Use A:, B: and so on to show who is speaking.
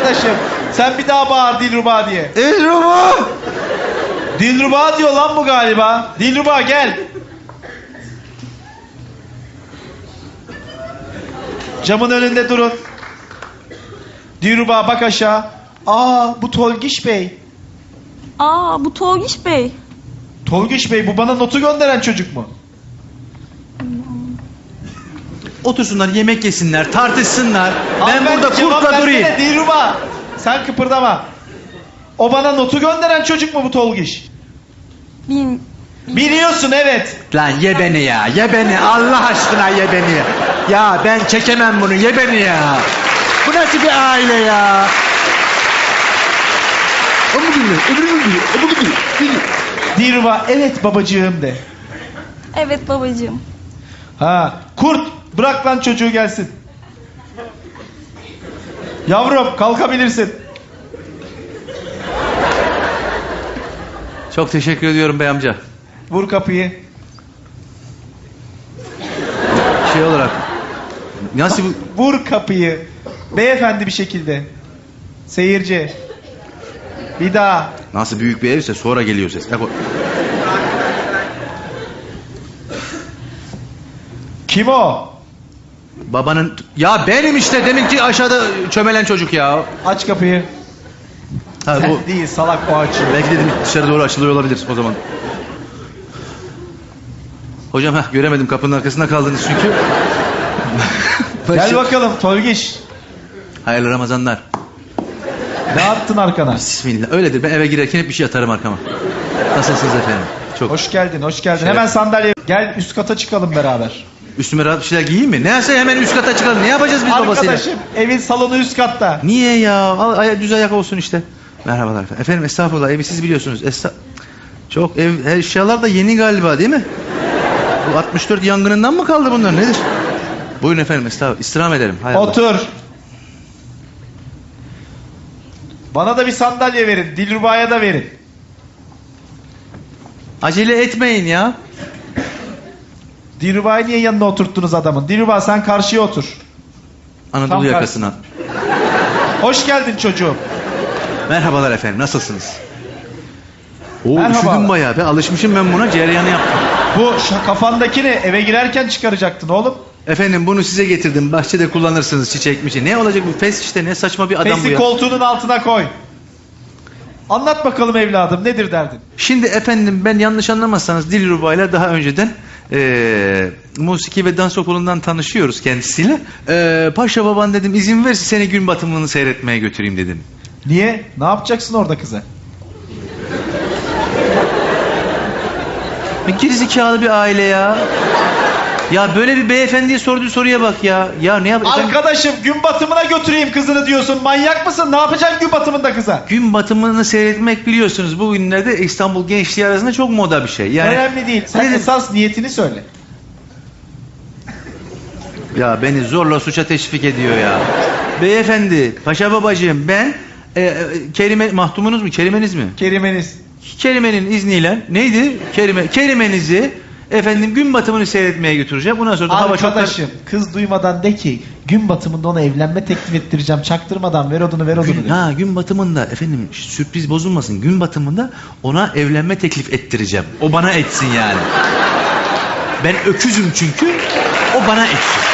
A: Arkadaşım sen bir daha bağır Dilruba diye.
B: Dilruba!
A: Dilruba diyor lan bu galiba. Dilruba gel. Camın önünde durun. Dilruba bak aşağı. Aa bu Tolgiş Bey.
C: Aa bu Tolgiş Bey.
A: Tolgiş Bey bu bana notu gönderen çocuk mu?
B: Otursunlar, yemek yesinler, tartışsınlar. Ben
A: Hanımefendi,
B: burada
A: cevap
B: kurtla
A: versene
B: durayım.
A: Dilruba. Sen kıpırdama. O bana notu gönderen çocuk mu bu Tolgiş? Biliyorsun evet.
B: Lan ye beni ya, ye beni. Allah aşkına ye beni. Ya ben çekemem bunu, ye beni ya. Bu nasıl bir aile ya?
A: Dilruba evet babacığım de.
C: Evet babacığım.
A: Ha kurt bırak lan çocuğu gelsin. Yavrum kalkabilirsin.
B: Çok teşekkür ediyorum bey amca.
A: Vur kapıyı.
B: Şey olarak. Nasıl bu?
A: Vur kapıyı. Beyefendi bir şekilde. Seyirci. Bir daha.
B: Nasıl büyük bir evse sonra geliyor ses.
A: Kim o?
B: Babanın... Ya benim işte deminki aşağıda çömelen çocuk ya.
A: Aç kapıyı.
B: Ha,
A: Sen
B: bu...
A: değil salak o açıyor.
B: Belki dedim dışarı doğru açılıyor olabilir o zaman. Hocam göremedim, kapının arkasında kaldınız çünkü.
A: Gel bakalım Tolgiş.
B: Hayırlı Ramazanlar.
A: Ne attın arkana?
B: Bismillah. Öyledir, ben eve girerken hep bir şey atarım arkama. Nasılsınız efendim? Çok.
A: Hoş geldin hoş geldin.
B: Şeref.
A: Hemen sandalye. Gel üst kata çıkalım beraber.
B: Üstüme rahat bir şeyler giyeyim mi? Neyse hemen üst kata çıkalım. Ne yapacağız biz babasıyla?
A: Arkadaşım evin salonu üst katta.
B: Niye ya? Düz ayak olsun işte. Merhabalar efendim. Efendim estağfurullah, evi siz biliyorsunuz. Çok eşyalar da yeni galiba değil mi? Bu 64 yangınından mı kaldı bunlar, nedir? Buyurun efendim, estağfurullah. İstirham ederim. Hay Allah.
A: Otur. Bana da bir sandalye verin. Dilruba'ya da verin.
B: Acele etmeyin ya.
A: Dilruba'yı niye yanına oturttunuz adamın? Dilruba sen karşıya otur.
B: Anadolu
A: Tam
B: yakasına.
A: Hoş geldin çocuğum.
B: Merhabalar efendim, nasılsınız? Oo,
A: Merhaba.
B: üşüdüm bayağı be. Alışmışım ben buna, cereyanı yaptım.
A: Bu kafandakini eve girerken çıkaracaktın oğlum.
B: Efendim bunu size getirdim. Bahçede kullanırsınız, çiçek mi? Ne olacak bu fes işte, ne saçma bir adam bu
A: Fesi
B: ya.
A: koltuğunun altına koy. Anlat bakalım evladım, nedir derdin?
B: Şimdi efendim ben yanlış anlamazsanız Dilruba ile daha önceden musiki ve dans okulundan tanışıyoruz kendisiyle. Paşa baban dedim, izin verirse seni gün batımını seyretmeye götüreyim dedim.
A: Niye? Ne yapacaksın orada kıza?
B: Gerizekalı bir aile ya. Ya böyle bir beyefendiye sorduğu soruya bak ya. Ya ne yapayım?
A: Arkadaşım gün batımına götüreyim kızını diyorsun. Manyak mısın? Ne yapacaksın gün batımında kıza?
B: Gün batımını seyretmek biliyorsunuz bugünlerde İstanbul gençliği arasında çok moda bir şey. Yani
A: önemli değil. Sen
B: Nedir?
A: esas niyetini söyle.
B: Ya beni zorla suça teşvik ediyor ya. Beyefendi, paşa babacığım ben Kerime mahtumunuz mu? Kerimeniz mi?
A: Kerimeniz.
B: Kerimenin izniyle neydi? Kerimenizi efendim gün batımını seyretmeye götüreceğim. Bundan sonra da hava çok...
A: Arkadaşım kız duymadan de ki gün batımında ona evlenme teklif ettireceğim. Çaktırmadan ver odunu ver odunu. de.
B: Gün batımında efendim sürpriz bozulmasın. Gün batımında ona evlenme teklif ettireceğim. O bana etsin yani. Ben öküzüm çünkü. O bana etsin.